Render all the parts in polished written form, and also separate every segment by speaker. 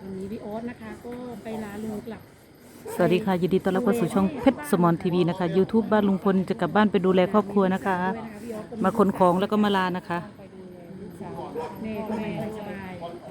Speaker 1: วันนี้พี่โอ๊ตนะคะก็ไปลาลุงกลับ
Speaker 2: สวัสดีค่ะยินดีต้อนรับเข้าสู่ช่องเพชรสมรทีวีนะคะ YouTube บ้านลุงพลจะกลับบ้านไปดูแลครอบครัวนะคะ มาขนของแล้วก็มาลานะคะ
Speaker 1: ไปดูแลลูกสาวแม่ก็ไม่สบาย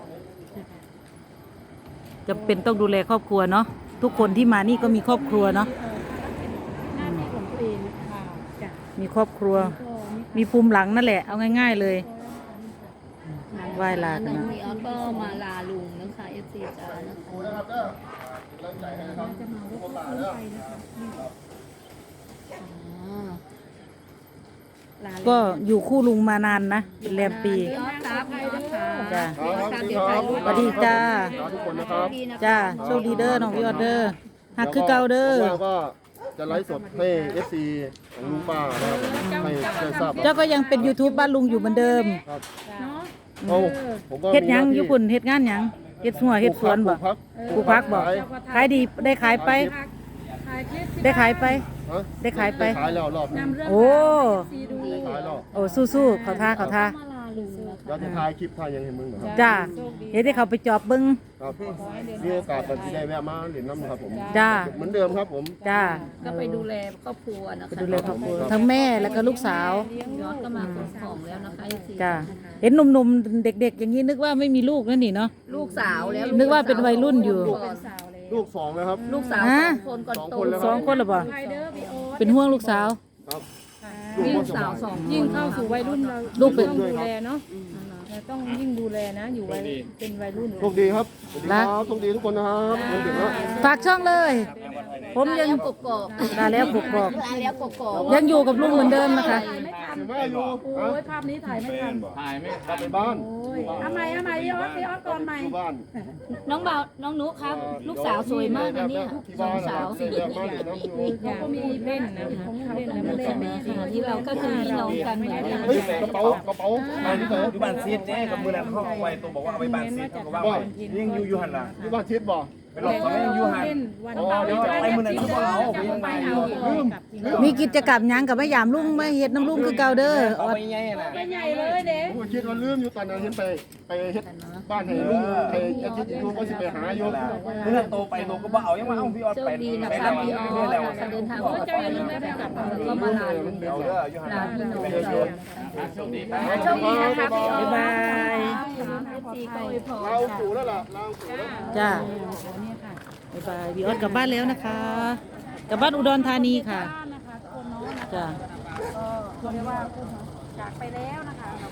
Speaker 2: จะเป็นต้องดูแลครอบครัวเนาะทุกคนที่มานี่ก็มีครอบครัวเนาะ
Speaker 1: หน้าที่ของตัวเองค่ะจ้ะ
Speaker 2: มีครอบครัว
Speaker 1: ก็มี
Speaker 2: มีภูมิหลังนั่นแหละเอาง่ายๆเลยไหว้ลากัน
Speaker 3: น้อง
Speaker 2: นะ
Speaker 3: มีออสก็มาลาลุงนะคะ FC จ้านะคะ
Speaker 1: จะมารถตู้ไปนะคะนี่
Speaker 3: อ๋อ
Speaker 1: ลา
Speaker 2: ก็อยู่คู่ลุงมานานนะเป็นแรมปี
Speaker 3: พี่ออสครับพี่ออสค่ะ
Speaker 2: จ้ะ
Speaker 3: พี่ออสครับเดี๋ยวถ่ายรูป
Speaker 2: สวัสดีจ้า
Speaker 4: ทุกคนนะครับ
Speaker 2: จ้าโชคดีเด้อน้องพี่ออดเด้อหักคือเก่าเด้อ
Speaker 4: ว่างก็จะไลฟ์สดให้ FC ของลุงป้านะครับให้ได้ทราบ
Speaker 2: เจ้าก็ยังเป็น YouTube บ้านลุงอยู่เหมือนเดิม
Speaker 4: ครับ
Speaker 1: เนาะ
Speaker 4: โอ้ผมก็
Speaker 2: เฮ็ดหยัง
Speaker 4: มี
Speaker 2: อยู่
Speaker 4: น้าที่
Speaker 2: ปุ่นเฮ็ดงานหยังเฮ็ดหัวเฮ็ดสวนบ่
Speaker 4: ปลูกพัก
Speaker 2: ปลูกพักบ่
Speaker 4: ขาย
Speaker 2: ขายดีได้ขายไป
Speaker 1: ถ่ายคลิปสิ
Speaker 2: ได้ขายไป
Speaker 4: ฮะ
Speaker 2: ได้ขายไป
Speaker 4: ขายแล้วรอบนึง
Speaker 1: นำเรื่อง
Speaker 2: โอ้
Speaker 1: ซีดู
Speaker 4: ได้ขายแล้ว
Speaker 2: โอ้สู้ๆเขาท่าเขาท่า
Speaker 3: มาลาลุงนะคะ
Speaker 4: แล้วจะถ่ายคลิปถ่ายยังเห็นมึงเหรอครับ
Speaker 2: จ้าเฮ็ดให้เขาไปจอบเบิ่ง
Speaker 4: ครับมีโอกาสกันที่ได้แวะมาเล่นน้ำครับผม
Speaker 2: จ้า
Speaker 4: เหมือนเดิมครับผม
Speaker 2: จ้า
Speaker 3: ก็ไปดูแลครอบครัวนะ
Speaker 2: ไป
Speaker 3: คะ
Speaker 2: ดูแลครอบครัวทั้งแม่แล้วก็ลูกสาว
Speaker 3: พี่ออสก็มาขนของแล้วนะคะ FC
Speaker 2: จ้าเห็นหนุ่มๆเด็กๆ อย่างนี้นึกว่าไม่มีลูกนั่นนี่เนาะ
Speaker 3: ลูกสาวแล้ว
Speaker 2: นึกว่าเป็นวัยรุ่นอยู่
Speaker 1: สาวเลย
Speaker 4: ลูกสองแล้วครับ
Speaker 3: ลูกสาว
Speaker 2: ฮะ
Speaker 3: 2 คนก่อน
Speaker 4: สอง
Speaker 3: โต
Speaker 4: คนแล้ว
Speaker 2: สองคนเหรอบ่
Speaker 1: ไทเดอร์พี่โอ๊ต
Speaker 2: เป็นห่วงลูกสาว
Speaker 4: ครับ
Speaker 3: ลูกสาว2
Speaker 1: ยิ่งเข้าสู่วัยรุ่นเรา
Speaker 2: ลูกเป็น
Speaker 1: ต้องดูแลเนาะเราต้องยิ่งดูแลนะ อยู่วัยเป็นวัยรุ่น
Speaker 4: โชคดีครับสวัสดีครับโชคดีทุกคนนะครับวันเด็กนะ
Speaker 2: ฝากช่องเลย ผมยัง
Speaker 3: กกอก
Speaker 2: ลาแล้วกกอก
Speaker 3: ลาแล้วกกอก
Speaker 2: ยังอยู่กับลุงเหมือนเดิมนะคะ
Speaker 1: ไม่ทัน
Speaker 4: แม่อยู่
Speaker 1: โอ้ยภาพนี้ถ่ายไม่ทัน
Speaker 4: กลับไปบ้าน
Speaker 1: โอ้ยเอาใหม่พี่ออสก่อนใหม่
Speaker 4: อยู่บ้าน
Speaker 3: น้องเบาน้องนุครับ ลูกสาวสวยมากนะเนี่ย
Speaker 4: ที่
Speaker 3: สอ
Speaker 4: บ้าง น
Speaker 3: สาว
Speaker 4: เรียกมาเรียนน้ำอยู่
Speaker 1: เขาก็มีเล่นนะของเขาเล่นแล้วมาเล่นแม่
Speaker 3: ค่ะที่เราก็คือพี่น้องกันเหมือนกัน
Speaker 4: เฮ้ยกระเป๋อะไรนี่เถอะ
Speaker 5: อยู่บ้านซีดเนี่ยกับมือนั้นเขาเอาไว้ตัวบอกว่าเอาไปบ้านซีดเขาก็ว่าไว้ยังอยู่หันล่ะ
Speaker 4: ที่บ้านชิดบ่
Speaker 5: ไปหลอกเขายังอยู่หัน
Speaker 1: เล่นวัน
Speaker 4: อ๋อเดี๋ยวจะ
Speaker 5: ไปมือนั้นเขาก็เอาไปยังไงอยู่
Speaker 2: มีกิจกรรมหยังกับแม่ยามลุงไม่เฮ็ดน้ำลุงคือเก่าเด้อ
Speaker 5: เอาไปยังไงน่ะ
Speaker 1: ไม่ใหญ่เลยเด็ก
Speaker 4: ผมคิดว่าลืมอยู่ตอนนั้นเห็นไปเฮ็ดบ้านให้ลุงให้อาทิตย์อยู่ก็สิไปหาอยู่
Speaker 5: มือนั้นโตไปโตก็บ่เอายังมาเอาพี่ออด
Speaker 3: โช
Speaker 5: ไป
Speaker 3: คดีนะ
Speaker 5: ไป
Speaker 3: คะ
Speaker 5: แล้ว
Speaker 3: พี่ออ
Speaker 5: ไปแล้ว
Speaker 3: สเดินทางปลอดภัยนะคะก็มาลาลุง
Speaker 5: เดี๋ยวเด้ออยู่หัน
Speaker 3: ลา
Speaker 5: ล่ะ
Speaker 3: พี่น้องเรา
Speaker 1: โชคดีนะคะพี่ออ
Speaker 2: บ๊ายบาย
Speaker 3: ซีก็อวยพร
Speaker 4: เราสู่แล้วล่ะเราสู่แล้ว
Speaker 2: จ้า
Speaker 1: เนี่ยค่ะ
Speaker 2: บ๊ายบายพี่ออสกลับบ้านแล้วนะคะกลับบ้านอุดรธานีค่ะ
Speaker 1: บ้านนะคะทุกคนเนาะ
Speaker 2: จ้า
Speaker 1: ก็เรียกว่าจากไปแล้วนะคะเรา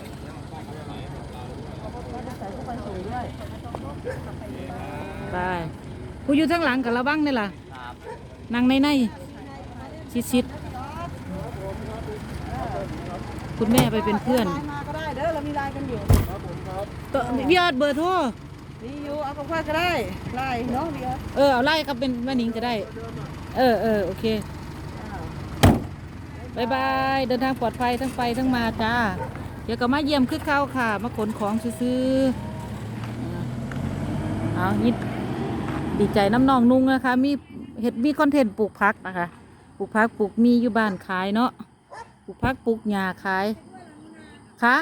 Speaker 1: ก็ใส่ทุกคนสวยด้วย
Speaker 2: บายผู้อยู่ทั้งหลังกับเราบ้างนี่ล่ะนั่งในชิดๆคุณแม่ไปเป็นเพื่อน
Speaker 1: มาก็ได้เด้อเรามีไลน์กันอยู่
Speaker 2: ต่อพี่ออดเบอร์โทร
Speaker 1: มีอยู่เอากับข้าก็ได้ไลน์เนาะพี่ออส
Speaker 2: เอาไล่ครับเป็นแม่นิงก็ได้ โอเคบายบายเดินทางปลอดภัยทั้งไปทั้งมาจ้าเดี๋ยวก็มาเยี่ยมคือเข้าค่ะ มาขนของซื้อๆเอายิดดีใจน้ำนองนุ่งนะคะ มีคอนเทนต์ปลูกพักนะคะปลูกพักปลูกมีอยู่บ้านขายเนาะปลูกพักปลูกหญ้าขายค่ะ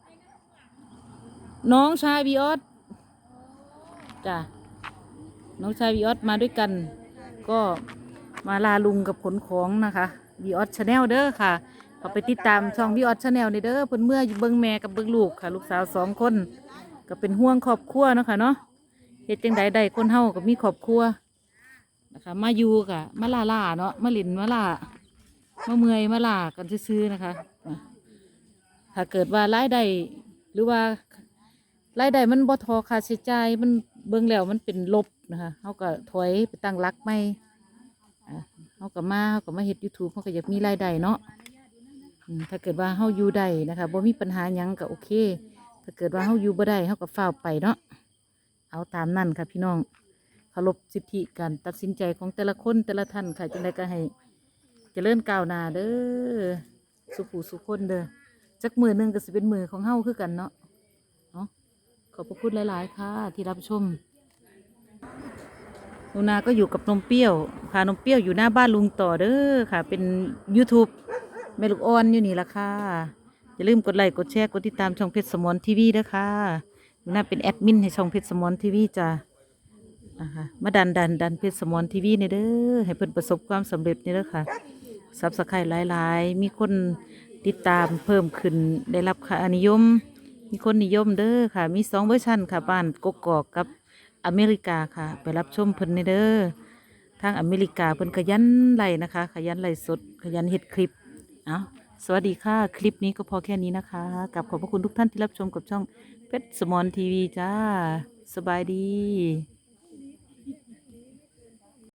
Speaker 2: น้องชายบีออสจ้ะน้องชายบีออสมาด้วยกัน ก็มาลาลุงกับขนของนะคะบีออสชาแนลเด้อค่ะเขาไปติดตามช่องบีออสชาแนลในเด้อเพิ่นเมื่อเบิ่งแม่กับเบิ่งลูกค่ะ ลูกสาว2 คนก็เป็นห่วงครอบครัวเนาะค่ะเนาะเฮ็ดจังใดได้คนเฮาก็มีครอบครัวนะคะมาอยู่ค่ะมาล่าเนาะมาหลินมาล่ามาเมื่อยมาล่ากันซื้อๆนะคะถ้าเกิดว่ารายได้หรือว่ารายได้มันบ่พอค่าใช้จ่ายมันเบิ่งแล้วมันเป็นลบนะคะเฮาก็ถอยไปตั้งหลักใหม่เฮาก็มาเฮ็ด YouTube เฮาก็อยากมีรายได้เนาะถ้าเกิดว่าเฮาอยู่ได้นะคะบ่มีปัญหาหยังก็โอเคถ้าเกิดว่าเฮาอยู่บ่ได้เฮาก็ฟ้าวไปเนาะเอาตามนั่นค่ะพี่น้องเคารพสิทธิการตัดสินใจของแต่ละคนแต่ละท่านค่ะจังได๋ก็ให้เจริญก้าวหน้าเด้อสุขสุขคนเด้อจักมือหนึงก็สิเป็นมือของเฮาคือกันเนาะขอบพระคุณหลาย ๆ ค่ะ ที่รับชมหนูนาก็อยู่กับนมเปรี้ยวค่ะนมเปรี้ยวอยู่หน้าบ้านลุงต่อเด้อค่ะ เป็น YouTube แม่ลูกอ่อนอยู่นี่ละค่ะอย่าลืมกดไลค์กดแชร์กดติดตามช่องเพชรสมรทีวีด้วยค่ะหนูนาเป็นแอดมินให้ช่องเพชรสมรทีวีจ้ะนะคะมาดันเพชรสมรทีวีในเด้อให้เพิ่นประสบความสำเร็จนี่เด้อค่ะซับสไครต์หลายๆมีคนติดตามเพิ่มขึ้นได้รับค่านิยมมีคนนิยมเด้อค่ะมี2 เวอร์ชันค่ะบ้านกกอกกับอเมริกาค่ะไปรับชมเพิ่นในเด้อทางอเมริกาเพิ่นขยันไล่นะคะขยันไล่สดขยันเฮ็ดคลิปเอาสวัสดีค่ะคลิปนี้ก็พอแค่นี้นะคะกับขอบพระคุณทุกท่านที่รับชมกับช่องเพชรสมรทีวีจ้าสบายดี